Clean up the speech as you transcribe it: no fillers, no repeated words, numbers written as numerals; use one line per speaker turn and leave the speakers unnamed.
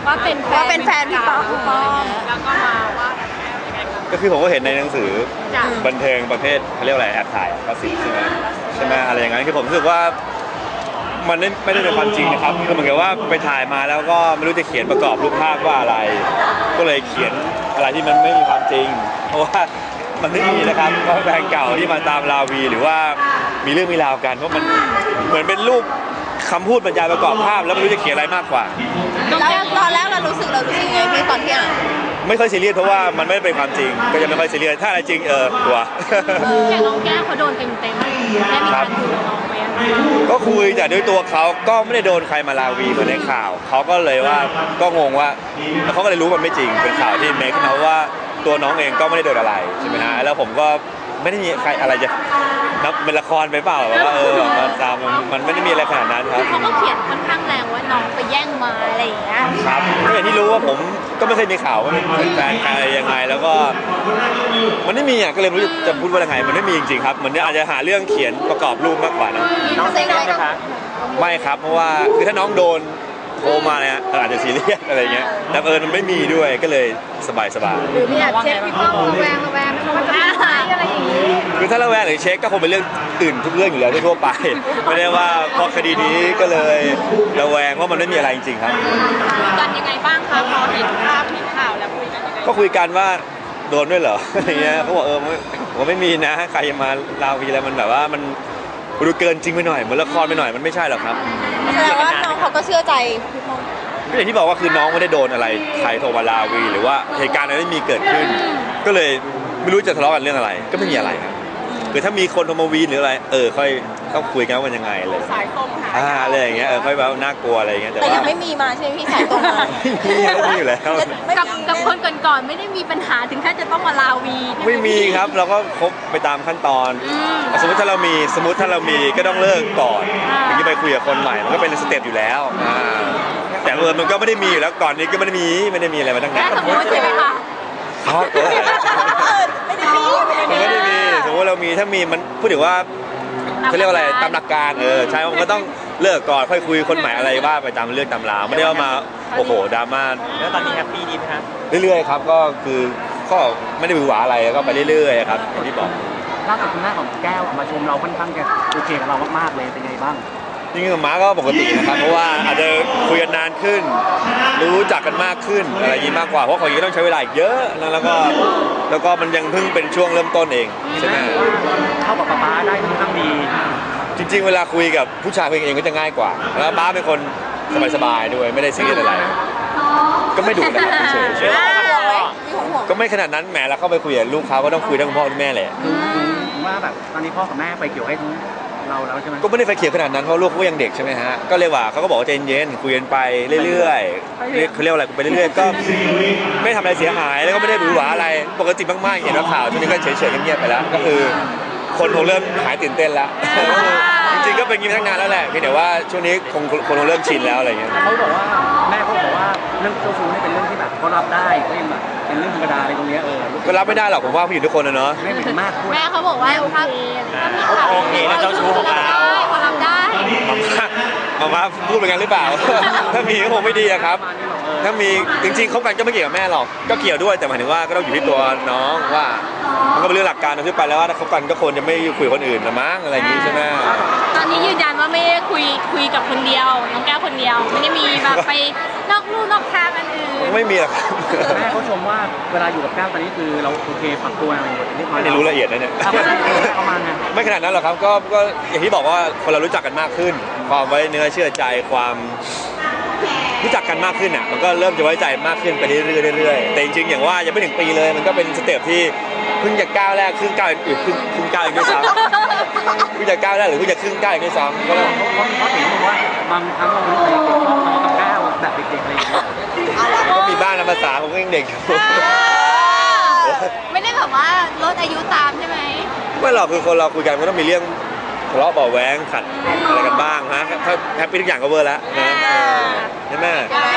ว่าเป็นแฟนพี่ป้อมแล้วก็มาว่า
ก็คือผมก็เห็นในหนังสือบันเทิงประเภทเขาเรียกอะไรแอบถ่ายก็สิใช่ไหมอะไรอย่างนั้นคือผมรู้สึกว่ามันไม่ได้เป็นความจริงนะครับคือเหมือนกับว่าไปถ่ายมาแล้วก็ไม่รู้จะเขียนประกอบรูปภาพว่าอะไรก็เลยเขียนอะไรที่มันไม่มีความจริงเพราะว่ามันไม่มีนะครับเพราะแฟนเก่าที่มาตามราวีหรือว่ามีเรื่องมีราวกันเพราะมันเหมือนเป็นรูปคำพูดบรรยายประกอบภาพแล้วไม่รู้จะเขียนอะไรมากกว่า
แล้วตอนแรกเรารู้สึกไงพี่ตอนที่อ่าน
ไม่ค่อยซีเรียสเพราะว่ามันไม่ได้เป็นความจริงก็จะไม่ค่อยซีเรียสถ้าอะไรจริงกลัว
อย่างน้องแก้วเขาโดนเต็มได้มีการคุยกับน้องไหม
ก็คุยแต่ด้วยตัวเขาก็ไม่ได้โดนใครมาลาวีเหมือนในข่าวเขาก็เลยว่าก็งงว่าเขาก็เลยรู้มันไม่จริงเป็นข่าวที่เมคเขาว่าตัวน้องเองก็ไม่ได้โดนอะไรใช่ไหมฮะแล้วผมก็ไม่ได้มีใครอะไรจะนับเป็นละครไปเปล่าว่ามันตามมันไม่ได้มีอะไรขนาดนั้นครับ
เขาก็เขียนค่อนข้างแรงว่าน้องไปแย่งมาอะไรอย่างเงี้ย
ครับก็อย่างที่รู้ว่าผมก็ไม่เคยมีข่าวว่าเป็นแฟนใครยังไงแล้วก็มันไม่มีอ่ะก็เลยไม่รู้จะพูดว่ายังไงมันไม่มีจริงๆครับมันอาจจะหาเรื่องเขียนประกอบรูปมากกว่านะ
น้องเซ็งไหมคะ
ไม่ครับเพราะว่าคือถ้าน้องโดนโทรมาเนี่ยอาจจะซีเรียสอะไรเงี้ยแต่มันไม่มีด้วยก็เลยสบาย
หรือมีเช็คพี่ป้อมระแวงมันจะหายอะไรอย่างนี้
คือถ้าระแวงหรือเช็คก็คงเป็นเรื่องอื่นทุกเรื่องอยู่แล้วทั่วไปไม่ได้ว่าเพราะคดีนี้ก็เลยระแวงว่ามันไม่มีอะไรจริงๆครับ
กันยังไงบ้างคะพอเห็นภาพเห็นข่าวแล้วคุยกันยังไง
ก็คุยกันว่าโดนด้วยเหรออะไรเงี้ยเขาบอกผมไม่มีนะใครมาลาวีอะไรมันแบบว่ามันดูเกินจริงไปหน่อยเหมือนละครไปหน่อยมันไม่ใช่หรอกครับ
แสดงว่าน้องเขาก็เชื่อใจพี่ป้อม
ก็อย่างที่บอกว่าคือน้องไม่ได้โดนอะไรใครโทรมาลาวีหรือว่าเหตุการณ์อะไรไม่มีเกิดขึ้นก็เลยไม่รู้จะทะเลาะกันเรื่องอะไรก็ไม่มีอะไรครับคือถ้ามีคนโทรมาวีหรืออะไรค่อยต้องคุยกันว่ามันยังไงเลย
สายตรงค่ะ
อะไรอย่างเงี้ยค่อยแบบน่ากลัวอะไรอย่างเงี้ย
แต่ยังไม่มีมาใช่ไหมพี่สายตรงมา
ไม่มีอยู่แล้ว
กับคนก่อนๆไม่ได้มีปัญหาถึงขั้นจะต้องมาลาวี
ไม่มีครับเราก็คบไปตามขั้นตอนสมมติถ้าเรามีก็ต้องเลิกก่อนถึงจะไปคุยกับคนใหม่มันก็เป็นสเต็ปอยู่แล้วแต่มันก็ไม่ได้มีอยู่แล้วก่อนนี้ก็ไม่ได้มีอะไรมาตั้งนาน
สมมติใช่ไหมคะ
ไม่ได้มี
สมมติเรามีถ้ามีมันพูดถึงว่าเขาเรียกว่าอะไรตามหลักการใช่มันก็ต้องเลิกก่อนค่อยคุยคนใหม่อะไรว่าไปตามเรื่องตามราวไม่ได้ว่ามาโอ้โหดราม่า
แล้วตอนนี้แฮปปี้ดีไหมครับ
เรื่อยๆครับก็คือก็ไม่ได้หวือหวาอะไรก็ไปเรื่อยๆครับอย่างที่บอก
ล่าสุดคุณแม่ของแก้วมาชมเราค่อนข้างจะโอเคกับเรามากๆเลยเป็นไงบ้าง
จริงๆกับม้าก็ปกตินะครับเพราะว่าอาจจะคุยกันนานขึ้นรู้จักกันมากขึ้นอะไรอย่างนี้มากกว่าเพราะของนี้ต้องใช้เวลาอีกเยอะแล้วก็มันยังเพิ่งเป็นช่วงเริ่มต้นเองใช่ไหม
เข้ากับป๊าได้ค่อนข้างดี
จริงๆเวลาคุยกับผู้ชายเองก็จะง่ายกว่าแล้วป๊าเป็นคนสบายๆด้วยไม่ได้ซีเรียสอะไรก็ไม่ดุนะครับเฉยๆก็ไม่ขนาดนั้นแหมแล้วเข้าไปคุยกับลูกเขาก็ต้องคุยทั้งพ่อทั้งแม่แหละ
ว่าแบบตอนนี้พ่อกับแม่ไปเกี่ยวให้เราแล้วใช่ไหม
ก็ไม่ได้ไฟเขียวขนาดนั้นเพราะลูกเขายังเด็กใช่ไหมฮะก็เลยว่าเขาก็บอกว่าใจเย็นคุยกันไปเรื่อยๆเขาเรียกอะไรไปเรื่อยๆก็ไม่ทำอะไรเสียหายแล้วก็ไม่ได้หวือหวาอะไรปกติมากๆเห็นว่าข่าวช่วงนี้ก็เฉยๆเงียบๆไปแล้วก็คือคนคงเริ่มหายตื่นเต้นแล้วจริงๆก็เป็นอย่างนี้ตั้งนานแล้วแหละเพียงแต่ว่าช่วงนี้คนคงเริ่มชินแล้วอะไรเงี้ย
เขาบอกว่าแม่เขาบอกว่าเรื่องเจ้าชู้นี่เป็นเรื่องที่แบบเขารับได้ก็ยังแบบเป็นเรื่องธรรมดาอะไรตรงนี้
ก็รับไม่ได้หรอกผมว่าผู้หญิงทุกคนนะเนาะ
ไม่เหมือนมาก
แม่เขาบอกว่า
โอเคนะเจ้าชู้ของเรา
เขารับได้
มาพูดเป็นกันหรือเปล่าถ้ามีก็คงไม่ดีครับถ้ามีจริงๆคบกันก็ไม่เกี่ยวกับแม่หรอกก็เกี่ยวด้วยแต่หมายถึงว่าก็ต้องอยู่ที่ตัวน้องว่ามันก็เป็นเรื่องหลักการทั่วไปแล้วว่าถ้าคบกันก็ควรจะไม่คุยกับคนอื่นละมั้งอะไรอย่างนี้ใช่ไหม
ตอนนี้ยืนยันว่าไม่ได้คุยกับคนเดียวน้องแก้วคนเดียวไม่ได้มีแบบไปนอกลู่นอกทางอันอื่น
ไม่มีหรอก
แม่เขาชมว่าเวลาอยู่กับแก้วตอนนี้คือเราโอเคปรับตัวอะไรหมด
ไม่ได้รู้ละเอียดนะเนี่ยไม่ขนาดนั้นหรอกครับก็อย่างที่บอกว่าคนเรารู้จักกันมากขึ้นความไว้เนื้อเชื่อใจความรู้จักกันมากขึ้นอ่ะมันก็เริ่มจะไว้ใจมากขึ้นไปเรื่อยๆแต่จริงๆอย่างว่ายังไม่ถึงปีเลยมันก็เป็นสเต็ปที่เพิ่งจะก้าวแรกครึ่งก้าวอื่นครึ่งก้าวอีกด้วยซ้ำเพิ่งจะก้าวแรกหรือเพิ่งจะครึ่งก้าวอีกด้วยซ้ำก็
เขาถึงบอกว่าบางครั้งเราไม่เคยชอบทะเลาะกับก้าวแบบเด็กๆอะไรอย่างเงี้ย
ก็มีบ้างนะภาษาผมก็ยังเด็กอยู่
ไม่ได้แบบว่าลดอายุตามใช่ไหม
ไม่หรอกคือคนเราคุยกันก็ต้องมีเรื่องทะเลาะเบาแหวงขัดอะไรกันบ้างฮะถ้าแฮปปี้ทุกอย่างก็เวอร์แล้วนะใช่ไหม